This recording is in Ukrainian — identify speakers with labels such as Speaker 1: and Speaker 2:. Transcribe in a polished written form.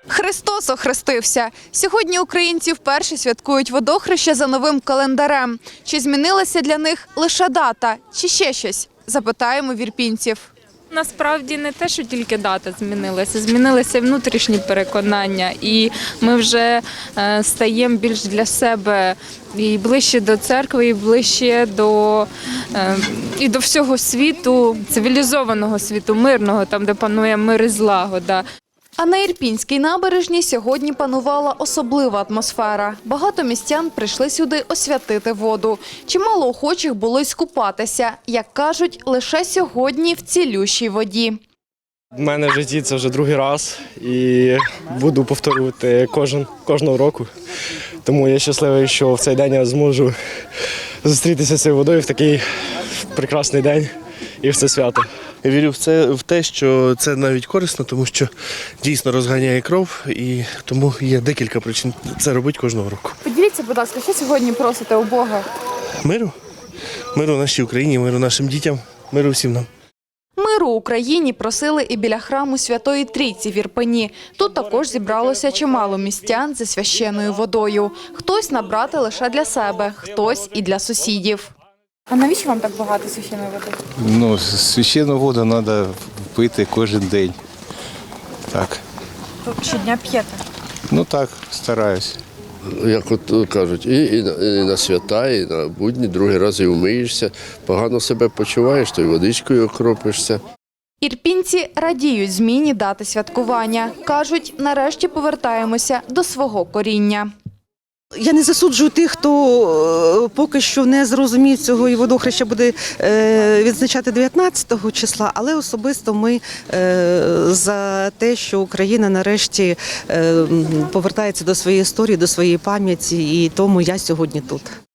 Speaker 1: Христос охрестився. Сьогодні українці вперше святкують водохреща за новим календарем. Чи змінилася для них лише дата, чи ще щось? Запитаємо в ірпінців.
Speaker 2: Насправді не те, що тільки дата змінилися внутрішні переконання, і ми вже стаємо більш для себе і ближче до церкви, і ближче до всього світу, цивілізованого світу, мирного, там, де панує мир і злагода.
Speaker 1: А на Ірпінській набережній сьогодні панувала особлива атмосфера. Багато містян прийшли сюди освятити воду. Чимало охочих було й скупатися, як кажуть, лише сьогодні в цілющій воді.
Speaker 3: У мене в житті це вже другий раз і буду повторювати кожного року. Тому я щасливий, що в цей день я зможу зустрітися з цією водою в такий прекрасний день і в це свято.
Speaker 4: Я вірю в те, що це навіть корисно, тому що дійсно розганяє кров, і тому є декілька причин це робити кожного року.
Speaker 1: Поділіться, будь ласка, що сьогодні просите у Бога?
Speaker 4: Миру. Миру нашій Україні, миру нашим дітям, миру всім нам.
Speaker 1: Миру Україні просили і біля храму Святої Трійці в Ірпені. Тут також зібралося чимало містян зі священною водою. Хтось набрати лише для себе, хтось і для сусідів.
Speaker 5: А навіщо вам так багато священної води?
Speaker 6: Ну, священну воду треба пити кожен день. Так.
Speaker 5: Ви щодня п'єте?
Speaker 6: Ну так, стараюсь.
Speaker 7: Як от кажуть, і на свята, і на будні, другий раз і вмиєшся, погано себе почуваєш, то й водичкою окропишся.
Speaker 1: Ірпінці радіють зміні дати святкування. Кажуть, нарешті повертаємося до свого коріння.
Speaker 8: Я не засуджую тих, хто поки що не зрозумів цього і водохреща буде відзначати 19 числа, але особисто ми за те, що Україна нарешті повертається до своєї історії, до своєї пам'яті, і тому я сьогодні тут.